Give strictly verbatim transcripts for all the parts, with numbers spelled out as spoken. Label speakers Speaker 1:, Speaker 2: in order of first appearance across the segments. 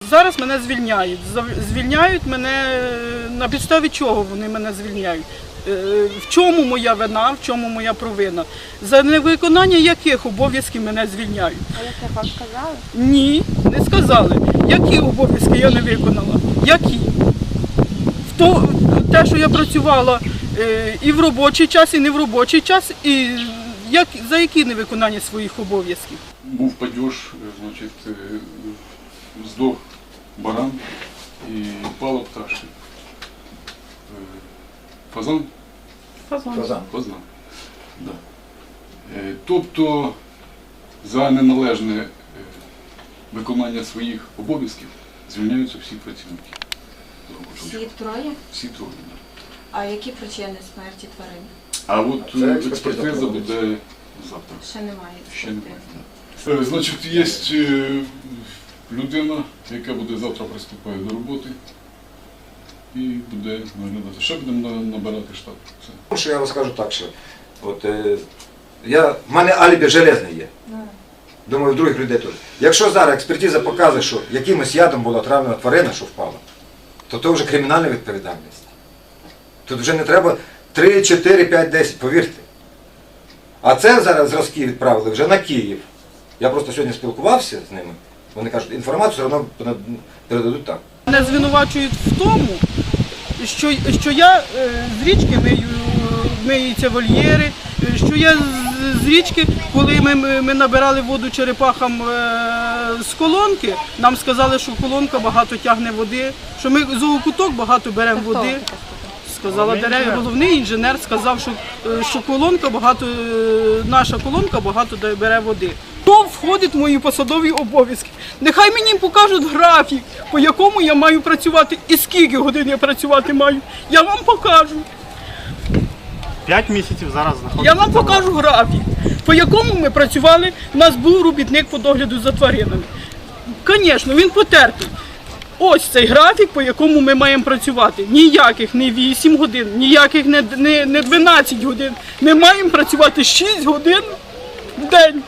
Speaker 1: зараз мене звільняють. Звільняють мене, на підставі чого вони мене звільняють? В чому моя вина, в чому моя провина? За невиконання яких обов'язків мене звільняють?
Speaker 2: А як це вам сказали?
Speaker 1: Ні, не сказали. Які обов'язки я не виконала? Які? В то, те, що я працювала е, і в робочий час, і не в робочий час, і як, за які невиконання своїх обов'язків?
Speaker 3: Був падеж, значить, е, здох баран і впало пташки. Е, Фазан?
Speaker 1: Фазан.
Speaker 4: Фазан.
Speaker 3: Фазан. Да. Е, Тобто за неналежне е, виконання своїх обов'язків звільняються всі працівники.
Speaker 2: Всі троє?
Speaker 3: Всі троє. Да.
Speaker 2: А які причини смерті тварин?
Speaker 3: А от
Speaker 4: Це
Speaker 3: е,
Speaker 4: експертиза
Speaker 3: експертиза
Speaker 4: проводиться.
Speaker 3: буде завтра.
Speaker 2: Ще немає
Speaker 3: Ще немає.
Speaker 2: експертизи.
Speaker 3: Да. Е, Значить, є е, людина, яка буде завтра приступає до роботи і буде наглядати. Ще будемо на- набирати штат. Все.
Speaker 4: Що я вам скажу так, що от, е, я, в мене алібі железне є. Думаю, в других людей теж. Якщо зараз експертиза показує, що якимось ядом була отравлена тварина, що впала, то це вже кримінальна відповідальність. Тут вже не треба три, чотири, п'ять, десять, повірте. А це зараз зразки відправили вже на Київ. Я просто сьогодні спілкувався з ними. Вони кажуть, інформацію все одно передадуть так.
Speaker 1: Мене звинувачують в тому, що, що я е, з річки мию, миються вольєри, е, що я з, з річки, коли ми, ми, ми набирали воду черепахам е, з колонки, нам сказали, що колонка багато тягне води, що ми зоокуток багато беремо води. Сказала дерев, головний інженер сказав, що, е, що колонка багато, е, наша колонка багато дає- бере води. То входить в мої посадові обов'язки. Нехай мені покажуть графік, по якому я маю працювати і скільки годин я працювати маю. Я вам покажу.
Speaker 5: П'ять місяців зараз знаходиться.
Speaker 1: Я вам покажу графік, по якому ми працювали. У нас був робітник по догляду за тваринами. Звісно, він потертий. Ось цей графік, по якому ми маємо працювати. Ніяких не вісім годин, ніяких не, не, не дванадцять годин. Ми маємо працювати шість годин в день.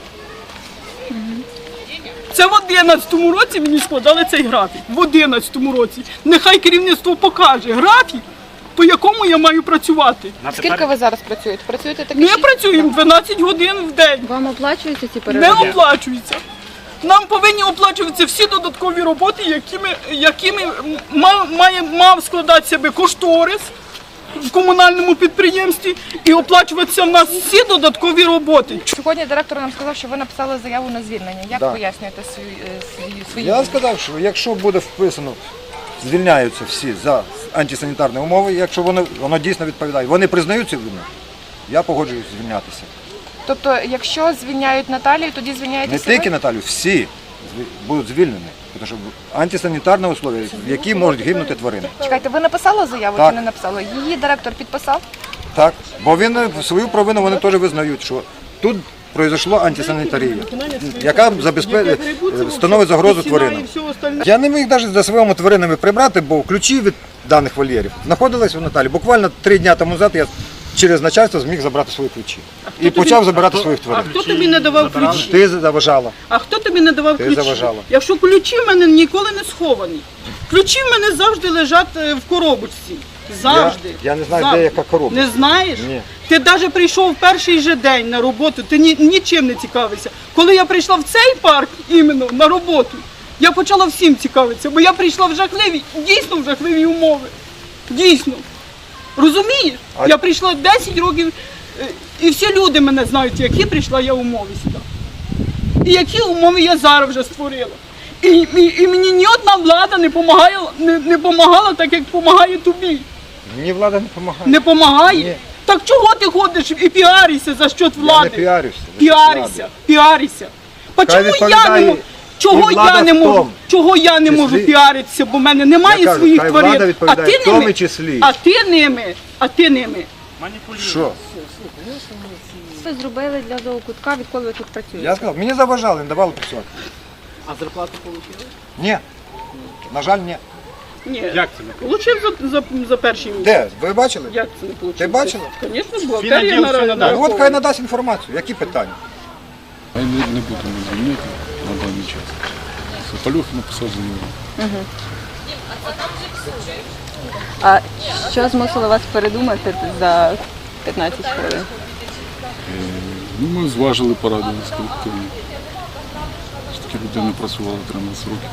Speaker 1: Це в одинадцятому році мені складали цей графік. В одинадцятому році. Нехай керівництво покаже графік, по якому я маю працювати.
Speaker 5: На
Speaker 2: Скільки
Speaker 5: тепер
Speaker 2: ви зараз працюєте? Працюєте такі
Speaker 1: Ми
Speaker 2: шість?
Speaker 1: працюємо дванадцять годин в день.
Speaker 2: Вам оплачуються ці
Speaker 1: Не
Speaker 2: переробки?
Speaker 1: оплачується. Нам повинні оплачуватися всі додаткові роботи, якими, якими мав, має, мав складатися би кошторис в комунальному підприємстві і оплачуватися в нас всі додаткові роботи.
Speaker 2: Сьогодні директор нам сказав, що ви написали заяву на звільнення. Як
Speaker 4: Да.
Speaker 2: пояснюєте свої, е, свої, свої
Speaker 4: Я
Speaker 2: дії?
Speaker 4: сказав, що якщо буде вписано, звільняються всі за антисанітарні умови, якщо воно, воно дійсно відповідає, вони признають цю вину, я погоджуюсь звільнятися.
Speaker 2: Тобто, якщо звільняють Наталію, тоді
Speaker 4: Не
Speaker 2: звільняєтеся
Speaker 4: тільки
Speaker 2: ви?
Speaker 4: Наталю, всі зві- будуть звільнені, тому що антисанітарні умови, в які можуть гинути тварини.
Speaker 2: Чекайте, ви написали заяву
Speaker 4: Так.
Speaker 2: чи не написали? Її директор підписав?
Speaker 4: Так, бо він е, свою провину вони теж визнають, що тут пройшло антисанітарія, яка забезпечує, становить загрозу тваринам. Я не міг навіть за своїми тваринами прибрати, бо ключі від даних вольєрів знаходились у Наталі. Буквально три дні тому назад я через начальство зміг забрати свої ключі. І
Speaker 1: тобі-
Speaker 4: почав забирати своїх
Speaker 1: А
Speaker 4: тварин.
Speaker 1: хто тобі не давав ключі?
Speaker 4: Ти заважала.
Speaker 1: А хто тобі не давав
Speaker 4: Ти
Speaker 1: ключі?
Speaker 4: заважала.
Speaker 1: Якщо ключі в мене ніколи не сховані. Ключі в мене завжди лежать е, в коробочці. Завжди.
Speaker 4: Я- я не знаю, де
Speaker 1: Завжди.
Speaker 4: яка коробка.
Speaker 1: Не знаєш?
Speaker 4: Ні.
Speaker 1: Ти навіть прийшов в перший же день на роботу, ти ні, нічим не цікавився. Коли я прийшла в цей парк іменно на роботу, я почала всім цікавитися, бо я прийшла в жахливі, дійсно в жахливі умови. Дійсно. Розумієш?
Speaker 4: А-
Speaker 1: Я прийшла десять років, е, і всі люди мене знають, які прийшла я умови сюди. І які умови я зараз вже створила. І, і, і мені ні одна влада не допомагає, не, не помагала так, як допомагає тобі.
Speaker 4: Мені влада не допомагає.
Speaker 1: Не допомагає?
Speaker 4: Ні.
Speaker 1: Так чого ти ходиш і піаришся за счет
Speaker 4: Я
Speaker 1: влади?
Speaker 4: не піарюся.
Speaker 1: Піарися, піарися. По
Speaker 4: Хай
Speaker 1: чому я
Speaker 4: відповідає
Speaker 1: не можу? Чого
Speaker 4: і влада
Speaker 1: я не
Speaker 4: в
Speaker 1: можу?
Speaker 4: тому
Speaker 1: Чого я не
Speaker 4: числі.
Speaker 1: можу піаритися, бо в мене немає
Speaker 4: Я кажу,
Speaker 1: своїх
Speaker 4: хай
Speaker 1: тварин.
Speaker 4: влада
Speaker 1: А
Speaker 4: відповідає
Speaker 1: ти
Speaker 4: в тому
Speaker 1: ними,
Speaker 4: числі.
Speaker 1: а ти ними, а ти ними.
Speaker 5: маніпулюють.
Speaker 4: Що?
Speaker 2: Ви зробили для зоокутка, відколи ви тут працюєте?
Speaker 4: Я сказав, мені заважали, не давали працювати.
Speaker 1: А зарплату отримали?
Speaker 4: Ні. На жаль, ні.
Speaker 1: Ні.
Speaker 5: Як це не
Speaker 1: Получив за, за, за перший місяць.
Speaker 4: Де? Ви бачили?
Speaker 1: Як це не получив?
Speaker 4: Ти бачила?
Speaker 1: Звісно, була.
Speaker 5: Фіноділ все надасть.
Speaker 4: Ну, от хай надасть інформацію. Які питання?
Speaker 3: Ми не, не будемо звільнити на даний час. Пальохи написав заяву.
Speaker 2: А що змусило вас передумати за п'ятнадцять хвилин?
Speaker 3: Ну, ми зважили, порадилися з колективом. Такі людина працювала тринадцять років.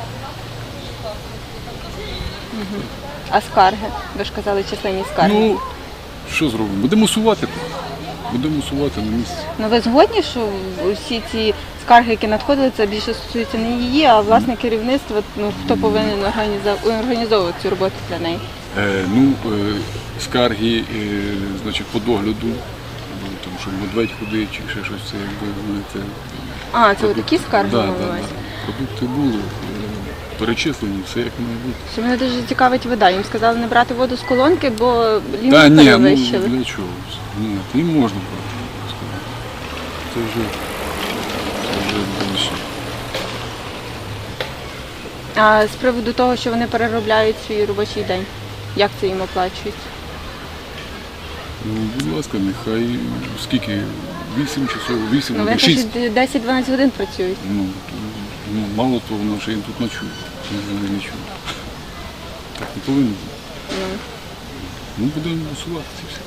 Speaker 2: А скарги? Ви ж казали, численні скарги.
Speaker 3: Ну, що зробимо? Будемо усувати. Будемо усувати на місці.
Speaker 2: Ну ви згодні, що усі ці скарги, які надходили, це більше стосується не її, а власне керівництва, ну хто повинен організа- організовувати цю роботу для неї?
Speaker 3: Е, ну, е, скарги, е, значить, по догляду, ну, тому що медведь ходить чи ще щось, це якби вони це.
Speaker 2: А, це такі скарги
Speaker 3: Да,
Speaker 2: мали
Speaker 3: да,
Speaker 2: на увазі?
Speaker 3: да. Продукти були, е, перечислені, все як має бути.
Speaker 2: Що мене дуже цікавить вода. Їм сказали не брати воду з колонки, бо ліміт
Speaker 3: Та ні, ну
Speaker 2: перевищили.
Speaker 3: для чого? Ні, їм можна брати. Це вже, це вже більше.
Speaker 2: А з приводу того, що вони переробляють свій робочий день, як це їм оплачують?
Speaker 3: Ну, будь ласка, нехай скільки? Вісім часов, вісім,
Speaker 2: Ну, вони
Speaker 3: шість.
Speaker 2: кажуть, десять-дванадцять годин працюють.
Speaker 3: Ну, ну, мало того, воно ще їм тут ночує. Не нічого. Так не повинно бути. Ну, будемо усувати ці всі.